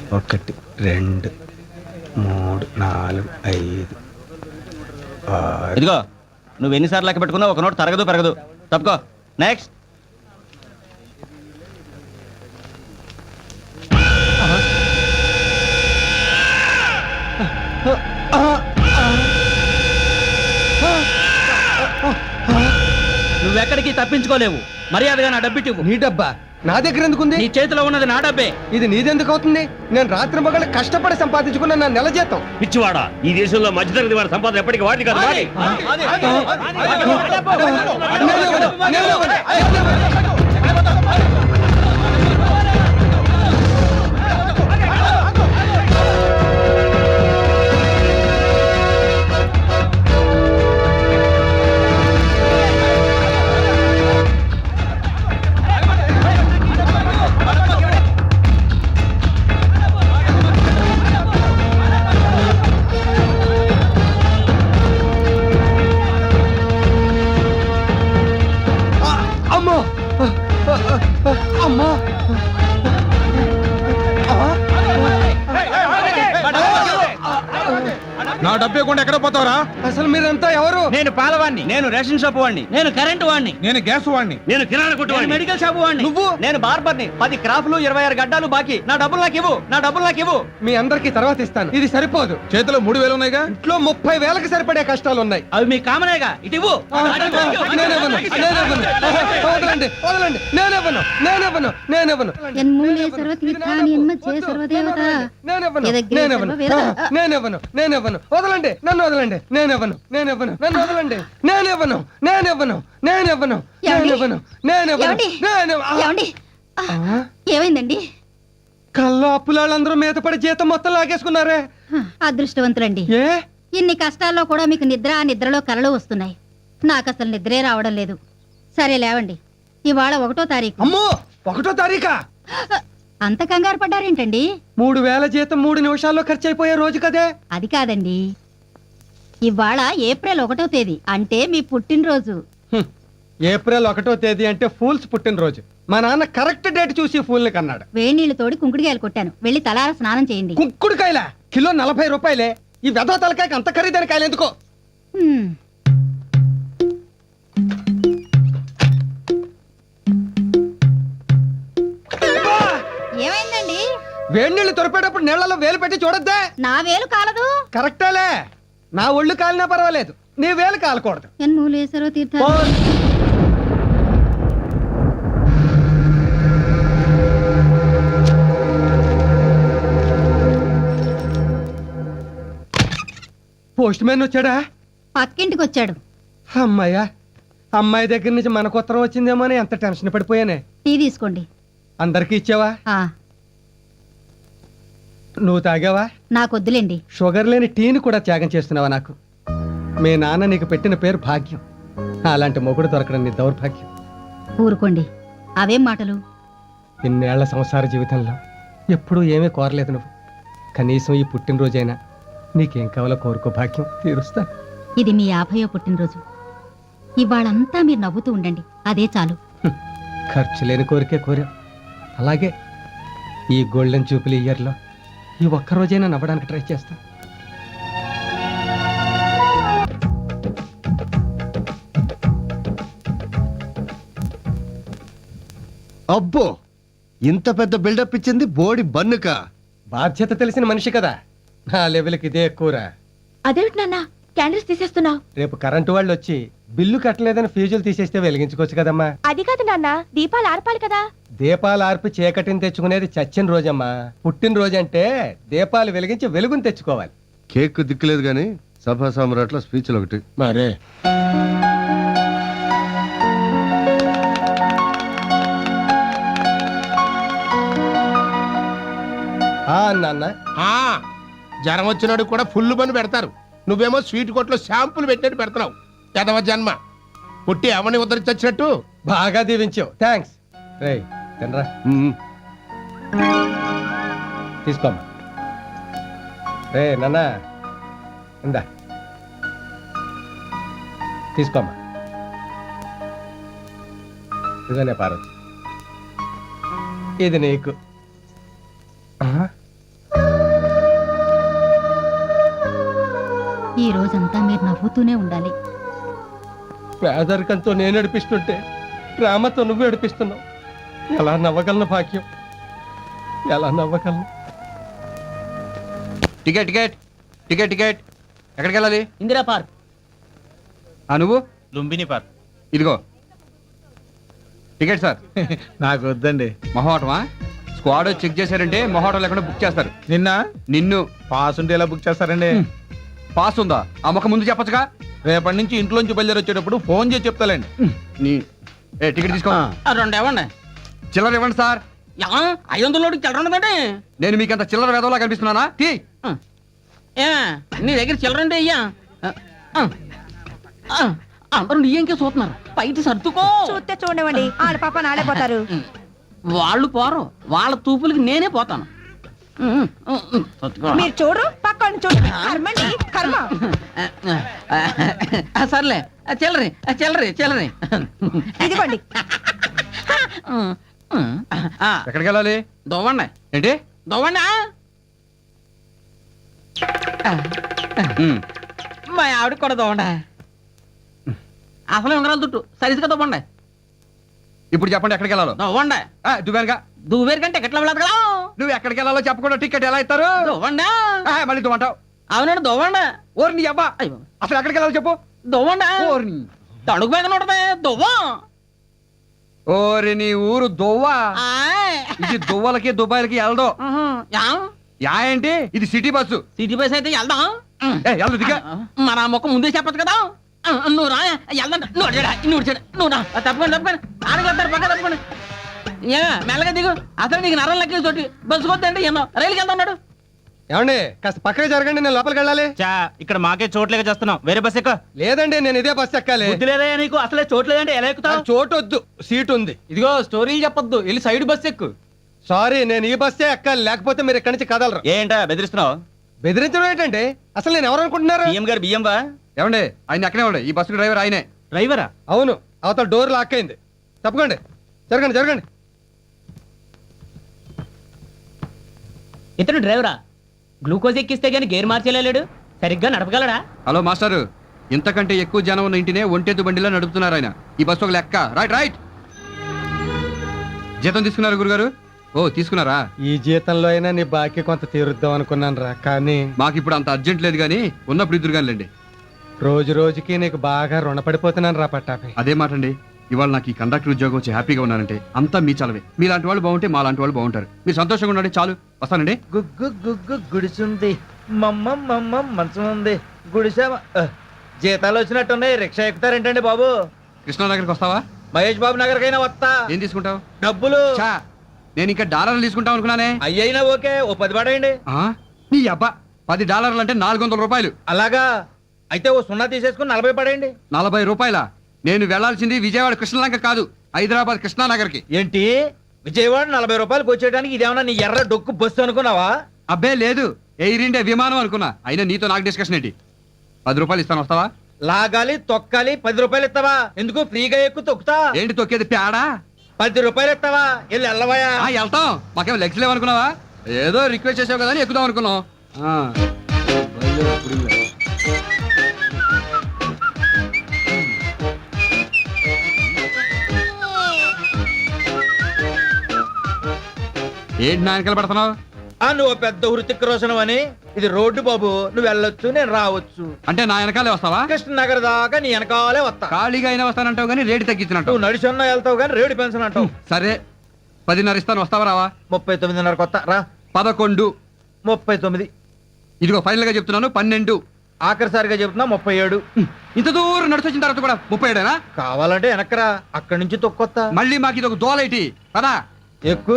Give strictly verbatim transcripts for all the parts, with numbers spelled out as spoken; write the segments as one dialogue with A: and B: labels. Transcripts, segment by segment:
A: ఒకటి రెండు మూడు నాలుగు ఐదు ఆరు.
B: ఇదిగో నువ్వు ఎన్నిసార్లు లెక్క పెట్టుకున్నావు ఒక నోట్ తరగదు పెరగదు. తప్పుకో. నెక్స్ట్. నువ్వెక్కడికి తప్పించుకోలేవు. మర్యాదగా నా డబ్బిటి.
C: నీ డబ్బా నా దగ్గర ఎందుకుంది?
B: నీ చేతిలో ఉన్నది నా డబ్బే.
C: ఇది నీదెందుకు అవుతుంది? నేను రాత్రి మగళ్ళు కష్టపడి సంపాదించుకున్న నా నెల జీతం.
D: పిచ్చివాడా, ఈ దేశంలో మధ్యతరగతి వారి సంపాదన ఎప్పటికీ వాడి కాదు. వాడి.
A: నా డబ్బు ఇవ్వకుండా ఎక్కడ పోతావరా?
C: అసలు మీరంతా ఎవరు?
B: నేను పాలవాణ్ణి. నేను రేషన్ షాప్ వాడిని. నేను కరెంటు వాడిని.
A: నేను గ్యాస్ వాడిని.
D: నేను కిరాణా కొట్టు వాడిని.
B: మెడికల్ షాప్ వాడిని.
C: నువ్వు?
B: నేను బార్బర్ని. పది క్రాఫ్లు ఇరవై ఆరు గడ్డాలు బాకీ. నా డబ్బులు నాకు ఇవ్వు. నా డబ్బులు నాకు ఇవ్వు.
C: మీ అందరికి తర్వాత ఇస్తాను. ఇది సరిపోదు.
A: చేతిలో మూడు వేలు ఉన్నాయిగా.
C: ఇంట్లో ముప్పై వేలకు సరిపడే కష్టాలు ఉన్నాయి.
B: అవి మీ కామనేగా. ఇటు ఇవ్వు.
C: నేనివ్వను, నేనివ్వను. వదలండి, వదలండి. నేనివ్వను, నేనివ్వను, నేనివ్వను.
E: యన్మూలే సర్వతీర్థాని యన్మధ్యే సర్వదేవతా
C: నేనివ్వను,
E: యదగ్రే
C: నేనివ్వను,
E: సర్వవేద.
C: నేనివ్వను, నేనివ్వను. వదలండి, నన్ను వదలండి. నేనివ్వను, నేనివ్వను, నన్ను వదలండి. నేనివ్వను, నేనివ్వను, నేనివ్వను, నేనివ్వను, నేనివ్వను,
E: ఏమండి?
C: నేనివ్వ- ఆ!
E: ఏమండి?
C: ఆ?
E: ఏమైందండి?
C: కల్లో అప్పులాళ్ళందరూ మీద పడి జీతం మొత్తం లాగేసుకున్నారే.
E: అదృష్టవంతులండి.
C: ఏ?
E: ఇన్ని కష్టాల్లో కూడా మీకు నిద్ర ఆ నిద్రలో కలలు వస్తున్నాయి. నాకు అసలు నిద్రే రావడం లేదు. సరే లేవండి. ఇవాళ ఒకటో తారీఖు.
C: అమ్మో, ఒకటో తారీఖా?
E: అంత కంగారు పడ్డారేంటండి?
C: మూడు వేల జీతం మూడు నిమిషాల్లో ఖర్చు అయిపోయే రోజు కదే.
E: అది కాదండి, ఇవాళ ఏప్రిల్ ఒకటో తేదీ, అంటే మీ పుట్టినరోజు.
C: హ్మ్. ఏప్రిల్ ఒకటో తేదీ అంటే ఫూల్స్ పుట్టినరోజు. మా నాన్న కరెక్ట్ డేట్ చూసి ఫూల్ని కన్నాడు.
E: వేడి నీళ్లు తోడి కుంకుడికాయలు కొట్టాను. వెళ్ళి తలార స్నానం చేయండి.
C: కుంకుడుకాయల కిలో నలభై రూపాయలే. ఈ వెధవ తలకాయకి అంత ఖరీదైన కాయలు ఎందుకో?
E: హ్మ్. ఏమైందండి?
C: వేడి నీళ్లు తొరిపేటప్పుడు నీళ్లలో వేలు పెట్టి చూడొద్దే.
E: నా వేలు కాలదు.
C: కరెక్టేలే. నా ఒళ్ళు కాలినా పర్వాలేదు, నీ వేలు కాలకూడదు.
E: యన్మూలే సర్వతీర్థ.
C: పోస్ట్ మ్యాన్ వచ్చాడా?
E: పక్కింటికి వచ్చాడు.
C: అమ్మాయ్యా, అమ్మాయి దగ్గర నుంచి మనకు ఉత్తరం వచ్చిందేమో అని ఎంత టెన్షన్ పడిపోయానే.
E: టీ తీసుకోండి.
C: అందరికీ ఇచ్చావా?
E: ఆ
C: నువ్వు తాగావా?
E: నాకొద్దులేండి.
C: షుగర్ లేని టీని కూడా త్యాగం చేస్తున్నావా నాకు? మీ నాన్న నీకు పెట్టిన పేరు భాగ్యం. అలాంటి మొగుడు దొరకడం నీ దౌర్భాగ్యం.
E: ఊరుకోండి. అవేం మాటలు?
C: ఇన్నేళ్ల సంసార జీవితంలో ఎప్పుడూ ఏమీ కోరలేదు నువ్వు. కనీసం ఈ పుట్టినరోజైనా నీకేం కావాలో కోరుకో, భాగ్యం తీరుస్తా.
E: ఇది మీ యాభయో పుట్టినరోజు. ఇవాళంతా మీరు నవ్వుతూ ఉండండి, అదే చాలు.
C: హ్మ్. ఖర్చు లేని కోరికే కోరా. అలాగే ఈ గోల్డెన్ జూపిలీ ఇయర్లో ఈ ఒక్కరోజైనా నవ్వడానికి ట్రై చేస్తా.
F: అబ్బో, ఇంత పెద్ద బిల్డప్ ఇచ్చింది బోడి బన్నుక.
C: బాధ్యత తెలిసిన మనిషి కదా, నా లెవెల్కి ఇదే ఎక్కువరా.
E: అదేమిటి నాన్న క్యాండిల్స్ తీసేస్తున్నావు?
C: రేపు కరెంటు వాళ్ళు వచ్చి బిల్లు కట్టలేదని ఫీజులు తీసేస్తే వెలిగించుకోవచ్చు కదమ్మా.
E: అది కాదు నాన్న, దీపాలు ఆర్పాలి కదా.
C: దీపాలు ఆర్పి చీకటిని తెచ్చుకునేది చచ్చిన రోజమ్మా. పుట్టినరోజు అంటే దీపాలు వెలిగించి వెలుగుని తెచ్చుకోవాలి.
F: కేక్ దిక్కులేదు గాని సభా సామ్రాట్ల స్పీచ్లు ఒకటి మరే.
C: నాన్న,
G: జ్వరం వచ్చినాడు కూడా ఫుల్ పని పెడతారు. నువ్వేమో స్వీట్ కొట్లో షాంపులు పెట్టినట్టు పెడతావు. ఎదవ జన్మ. పుట్టి అవని ఉద్ధరించొచ్చినట్టు.
C: బాగా దీవించావు, థ్యాంక్స్. రే తినరా, తీసుకోమ్మా. రే నాన్న, ఇందా తీసుకోమ్మా. ఇదనే పార్వతి, ఇది నీకు.
E: ఈ రోజంతా మీరు నవ్వుతూనే ఉండాలి.
C: పేదరికంతో నేను నడిపిస్తుంటే ప్రేమతో నువ్వు నడిపిస్తున్నావు. ఎలా నవ్వగలను భాగ్యం, ఎలా నవ్వగలను?
H: టికెట్ టికెట్ టికెట్ టికెట్ ఎక్కడికి వెళ్ళాలి?
B: ఇందిరా పార్క్.
H: ఆ నువ్వు?
A: లుంబిని పార్క్.
H: ఇదిగో టికెట్ సార్.
A: నాకు వద్దండి.
H: మొహోటమా? స్క్వాడ్ చెక్ చేశారంటే మొహోటం లేకుండా బుక్ చేస్తారు.
A: నిన్న
H: నిన్ను
A: పాస్ ఉంటే ఎలా బుక్ చేస్తారండి?
H: పాస్ ఉందా? ఆ ముఖం ముందు చెప్పొచ్చుగా.
A: రేపటి నుంచి ఇంట్లోంచి బయలుదేరి వచ్చేటప్పుడు ఫోన్ చేసి చెప్తాలండి.
H: నీ ఏ టికెట్ తీసుకో.
B: రెండు ఇవ్వండి.
H: చిల్లర ఇవ్వండి సార్.
B: ఐదు వందల చిల్లర ఉండదండి.
H: నేను మీకు అంత చిల్లర వేదవలా కనిపిస్తున్నానా? తీ.
B: ఏ నీ దగ్గర చిల్లర ఉంటే అయ్యా అందరూ నీ ఇంకే చూస్తున్నారు. బయట సర్దుకో.
I: చూస్తే చూడనివ్వండి, ఆడ పాప నాడే పోతారు.
B: వాళ్ళు పోరు, వాళ్ళ తూపులకి నేనే పోతాను.
I: మీరు చూడు, పక్కన చూడు. కర్మండి, కర్మ.
B: సర్లే చిల్లరి చిల్లరి చిల్లరి
I: ఇదిగోండి.
H: ఎక్కడికి వెళ్ళాలి?
B: దొవ్వండి
H: ఏంటి?
B: దొవ్వండి.
H: ఉమ్.
B: మా ఆవిడకి కూడా దొవ్వండి. అసలు ఉంగరాలు దుట్టు సరిగ్గా దొవ్వండి.
H: ఇప్పుడు చెప్పండి ఎక్కడికి వెళ్ళాలో.
B: దొవ్వండి.
H: దువ్వానుగా.
B: దువ్వేరు కంటే ఎట్లా వెళ్ళదు కదా.
H: నువ్వు ఎక్కడికి వెళ్ళాలో చెప్పకుండా టికెట్ ఎలా ఇస్తారు?
B: దొవ్వండి.
H: ఆ, మళ్ళీ దువ్వంటావు.
B: అవునండి దొవ్వండి.
H: ఓరి నీ అబ్బా, అసలు ఎక్కడికి వెళ్ళాలో చెప్పు.
B: దొవ్వండి.
H: ఓరి
B: తడుగు మీద ఉంటది దువ్వం.
H: ఓరి నీ ఊరు దువ్వా. ఇది దువ్వలకి దుబాయ్లకి వెళ్ళదు. యా ఏంటి? ఇది సిటీ బస్సు.
B: సిటీ బస్ అయితే వెళ్దాం.
H: ఏ, వెళ్ళు దిగా.
B: మన ముఖం ముందే చెప్పచ్చు కదా. నువ్వు రా వెళ్దాం. నువ్వు అడిగాడా నువ్వు వచ్చాడు నువ్వు రా. తప్పకుండా తప్పకుండా ఆడగలుగుతారు పక్క తప్పకుండా. ఏ మెల్లగా దిగు. అసలు నీకు నరం లెక్క తోటి బస్సు కొద్దండి ఎన్నో రైలుకి వెళ్తా ఉన్నాడు.
C: ఏమండి కాస్త పక్కకి జరగండి, నేను లోపలికి వెళ్ళాలి.
A: చా ఇక్కడ మాకే చోట్లేక చేస్తున్నాం. వేరే బస్ ఎక్క.
C: లేదండి, నేను ఇదే బస్సు ఎక్కాలి.
B: బుద్ధి లేదా నీకు? అసలే చోట్లేదంటే ఎలా ఎక్కుతావు?
C: నాకు చోటు వద్దు, సీట్ ఉంది.
B: ఇదిగో స్టోరీలు చెప్పొద్దు, వెళ్ళి సైడ్ బస్ ఎక్కు.
C: సారీ, నేను ఈ బస్సే ఎక్కాలి, లేకపోతే మీరు ఇక్కడి నుంచి కదలరు.
A: ఏంటా బెదిరిస్తున్నావు?
C: బెదిరించడం ఏంటంటే అసలు నేను ఎవరు అనుకుంటున్నారు?
A: బియ్యం గారు బియ్యం బా.
H: ఏమండి ఆయన ఎక్కడే ఉండే? ఈ బస్సు డ్రైవర్ ఆయనే.
A: డ్రైవరా?
C: అవును, అవతల డోర్ లాక్ అయింది. తప్పకండి, జరగండి జరగండి.
B: ఇతను డ్రైవరా? గ్లూకోజ్ ఎక్కిస్తే గానీ గేర్ మార్చేలేడు, సరిగ్గా నడపగలడా?
H: హలో మాస్టారు, ఇంతకంటే ఎక్కువ జనం ఉన్న ఇంటినే ఒంటెద్దు బండిలో నడుపుతున్నారు ఆయన. ఈ బస్సు ఒక లెక్క. Right right. జీతం తీసుకున్నారు గురుగారు? ఓ తీసుకున్నారా?
C: ఈ జీతంలో అయినా నీ బాకీ కొంత తీరుద్దాం అనుకున్నాను రా, కానీ
H: మాకు ఇప్పుడు అంత అర్జెంట్ లేదు కానీ ఉన్నప్పుడు ఇద్దరు కానిలేండి.
C: రోజు రోజుకి నీకు బాగా రుణపడిపోతున్నాను రా పట్టాపై.
H: అదే మాట అండి. ఇవాళ నాకు ఈ కండక్టర్ ఉద్యోగం వచ్చి హ్యాపీగా ఉన్నానంటే అంతా మీ చలవే. మీలాంటి వాళ్ళు బాగుంటే మా లాంటి వాళ్ళు బాగుంటారు. మీరు సంతోషంగా ఉండండి చాలు. వస్తానండి.
J: గుగ్గు గుగ్గు గుడిసుంది, మమ్మ మమ్మ మంచం ఉంది, గుడిసె. జీతాలు వచ్చినట్టున్నాయి, రిక్షా ఎక్కుతారేంటండి బాబు?
H: కృష్ణానగర్కి వస్తావా?
J: మహేష్ బాబు నగర్కైనా వస్తా.
H: ఏం తీసుకుంటావు?
J: డబ్బులు.
H: చా, నేను ఇంకా డాలర్లు తీసుకుంటాం అనుకున్నానే.
J: అయ్యైనా ఓకే, ఓ పది పడేయండి.
H: ఆ? నీ అబ్బా, పది డాలర్లు అంటే నాలుగు వందల రూపాయలు.
J: అలాగా అయితే ఓ సున్నా తీసేసుకుని నలభై పడేయండి.
H: నలభై రూపాయల? నేను వెళ్లాల్సింది విజయవాడ కృష్ణలంక కాదు, హైదరాబాద్ కృష్ణానగర్కి.
J: ఏంటి విజయవాడ నలభై రూపాయలకు వచ్చేయడానికి ఇదేమన్నా నీ ఎర్ర డొక్కు బస్సు అనుకున్నావా?
H: అబ్బే లేదు, ఎయిర్ ఇండియా విమానం అనుకున్నా. అయినా నీతో నాకు డిస్కషన్ ఏంటి? పది రూపాయలు ఇస్తాను, వస్తావా?
J: లాగాలి తొక్కాలి, పది రూపాయలు ఇస్తావా? ఎందుకు ఫ్రీగా ఎక్కువ తొక్కుతా?
H: ఏంటి తొక్కేది పేడా?
J: పది రూపాయలు ఇస్తావా? వెళ్ళి వెళ్ళవయా.
H: ఆ, వెళ్తాం. మాకేం లెగ్స్ లేవనుకున్నావా? ఏదో రిక్వెస్ట్ చేసావు కదా అని ఎక్కుదాం అనుకున్నాం. ఆ. ఏంటి నా వెనకాల పడుతున్నావు?
J: ఆ నువ్వు పెద్ద హృతిక్ రోషన్ అని. ఇది రోడ్డు బాబు, నువ్వు వెళ్ళొచ్చు నేను రావచ్చు.
H: అంటే నా వెనకాలే వస్తావా?
J: కృష్ణ నగర్ దాకా నీ వెనకాలే వస్తా.
H: ఖాళీగా అయినా వస్తానంటావు కానీ రేటు తగ్గించినట్టు.
J: నువ్వు నడిచన్నా వెళ్తావు కానీ రేడు పెన్షన్ అంటావు.
H: సరే, పదిన్నర ఇస్తాను, వస్తావా రావా?
J: ముప్పై తొమ్మిదిన్నర కొత్త రా.
H: పదకొండు.
J: ముప్పై తొమ్మిది.
H: ఇదిగో ఫైనల్ గా చెప్తున్నాను, పన్నెండు.
J: ఆఖరిసారిగా చెప్తున్నా ముప్పై ఏడు.
H: ఇంత దూరం నడిచొచ్చిన తర్వాత కూడా ముప్పై ఏడేనా?
J: కావాలంటే వెనకరా, అక్కడి నుంచి తొక్కొత్తా.
H: మళ్ళీ మాకు ఇది ఒక దోలైటి కదా.
J: ఎక్కువ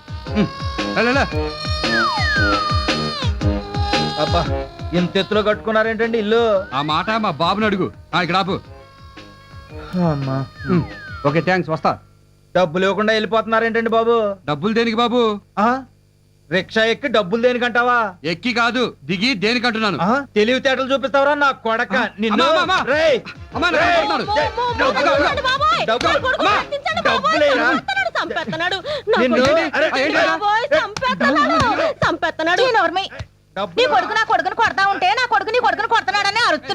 J: అబ్బా, ఇంత ఎత్తులో కట్టుకున్నారేంటండి ఇల్లు?
H: ఆ మాట మా బాబుని అడుగు. ఆ, ఇక్కడ ఆపు.
J: అమ్మా,
H: ఓకే థ్యాంక్స్, వస్తా.
J: డబ్బులు ఇవ్వకుండా వెళ్ళిపోతున్నారేంటండి బాబు?
H: డబ్బులు దేనికి బాబు?
J: ఆ రిక్షా ఎక్కి డబ్బులు దేనికంటావా?
H: ఎక్కి కాదు, దిగి దేనికంటున్నాను.
J: ఆ, తెలివితేటలు చూపిస్తావరా నా కొడక నిన్ను.
H: అమ్మా, అమ్మా, అమ్మా.
J: రేయ్,
H: అమ్మా, నా
J: రేయ్,
H: కొడుతున్నాడు.
J: డబ్బులు, డబ్బులు, అమ్మా, డబ్బులేరా? నిన్ను, అరే,
I: నీ కొడుకు నా కొడుకుని కొడతా ఉంటే నా కొడుకు నీ కొడుకుని కొడుతున్నాడని అరుస్తా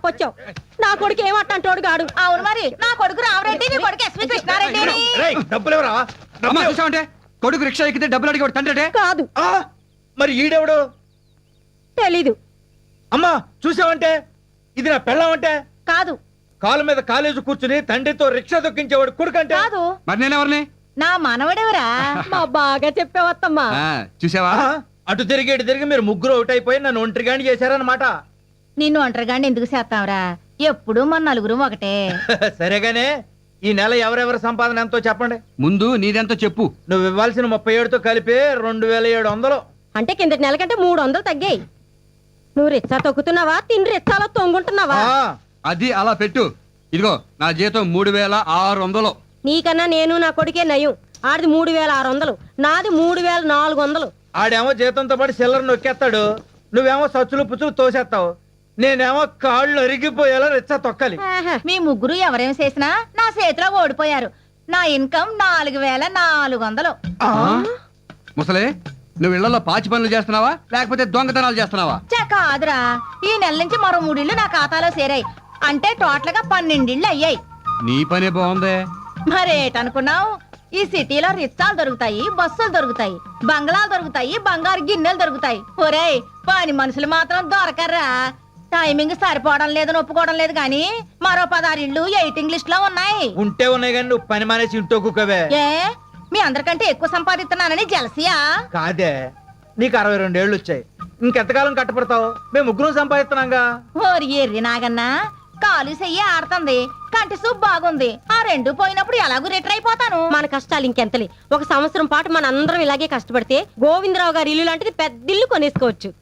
I: చెప్పొచ్చావు నా కొడుకు ఏమంటాడు గాడు
E: అవును మరి నా కొడుకు రామరెడ్డి నీ కొడుకు ఎస్వి కృష్ణారెడ్డి
J: రేయ్, డబ్బులు ఎవరా
H: అమ్మా చూసావంటే కొడుకు రిక్షా ఎక్కితే డబ్బులు అడిగి తండ్రి
I: కాదు
J: మరి ఈడెవడు
I: తెలీదు
J: అమ్మా చూసావంటే ఇది నా పెళ్ళామంటే
E: కాదు
J: కాలు మీద కాలేజీ కూర్చుని తండ్రితో రిక్షా దొక్కించేవాడు కొడుకంటే
E: కాదు
H: మరి నేనెవరిని
E: నా మనవడెవరా
I: మా బాగా చెప్పావత్తమ్మా
H: ఆ, చూసావా
J: ఆ, అటు తిరిగి ఇటు తిరిగి మీరు ముగ్గురు ఒకటి అయిపోయి నన్ను ఒంటరిగాని చేశారన్నమాట
E: నిన్ను ఒంటరిగాండి ఎందుకు చేస్తావురా ఎప్పుడు మన నలుగురు ఒకటే
J: సరేగానే ఈ నెల ఎవరెవరి సంపాదన ఎంతో చెప్పండి
H: ముందు నీదెంతో చెప్పు
J: నువ్వు ఇవ్వాల్సిన ముప్పై ఏడుతో కలిపి రెండు వేల ఏడు వందలు
I: అంటే కిందటి నెల కంటే మూడు వందలు తగ్గాయి నువ్వు రిచ్చా తొక్కుతున్నావా తిండి రిచ్చాలో తొంగుంటున్నావా
J: ఆ,
H: అది అలా పెట్టు ఇదిగో నా జీతం మూడు వేల ఆరు వందలు
I: నీకన్నా నేను నా కొడుకే నయం ఆడిది మూడు వేల ఆరు వందలు నాది మూడు వేల నాలుగు వందలు
J: ఆడేమో జీతంతో పాటు చిల్లర నొక్కేస్తాడు నువ్వేమో సచ్చులు పుచ్చులు తోసేస్తావు నేనేమో కాళ్ళు అరిగిపోయేలా రిచ్చా తొక్కాలి
E: మీ ముగ్గురు ఎవరేం చేసినా నా చేతిలో ఓడిపోయారు నా ఇన్కమ్ నాలుగు వేల నాలుగు వందలు
H: ఆ? ముసలే నువ్వు ఇళ్లలో పాచి పనులు చేస్తున్నావా లేకపోతే దొంగతనాలు చేస్తున్నావా
E: చా కాదురా ఈ నెల నుంచి మరో మూడిళ్ళు నా ఖాతాలో చేరాయి అంటే టోటల్ గా పన్నెండిళ్ళు అయ్యాయి
H: నీ పనే బాగుందే
E: మరేటనుకున్నావు ఈ సిటీలో రిచ్చాలు దొరుకుతాయి బస్సులు దొరుకుతాయి బంగ్లాలు దొరుకుతాయి బంగారు గిన్నెలు దొరుకుతాయి ఒరేయ్ పని మనుషులు మాత్రం దొరకర్రా టైమింగ్ సరిపోవడం లేదని ఒప్పుకోవడం లేదు కానీ మరో పదహారు ఇళ్ళు ఎయిటింగ్ లిస్ట్ లో ఉన్నాయి
J: ఉంటే ఉన్నాయి కానీ నువ్వు పని మానేసి ఇంట్లో కుక్కవే
E: ఏ మీ అందరికంటే ఎక్కువ సంపాదిస్తున్నానని జలసియా
J: కాదే నీకు అరవై రెండు ఏళ్ళు వచ్చాయి ఇంకెంతకాలం కట్టపడతావు మేము ముగ్గురం సంపాదిస్తున్నాంగా
E: ఓరి ఎర్రి నాగన్నా కాలు చెయ్యి ఆడుతుంది కంటి సూప్ బాగుంది ఆ రెండు పోయినప్పుడు ఎలాగూ రిటర్ అయిపోతాను
I: మన కష్టాలు ఇంకెంతలే ఒక సంవత్సరం పాటు మన అందరం ఇలాగే కష్టపడితే గోవిందరావు గారి ఇల్లు లాంటిది పెద్ద ఇల్లు కొనేసుకోవచ్చు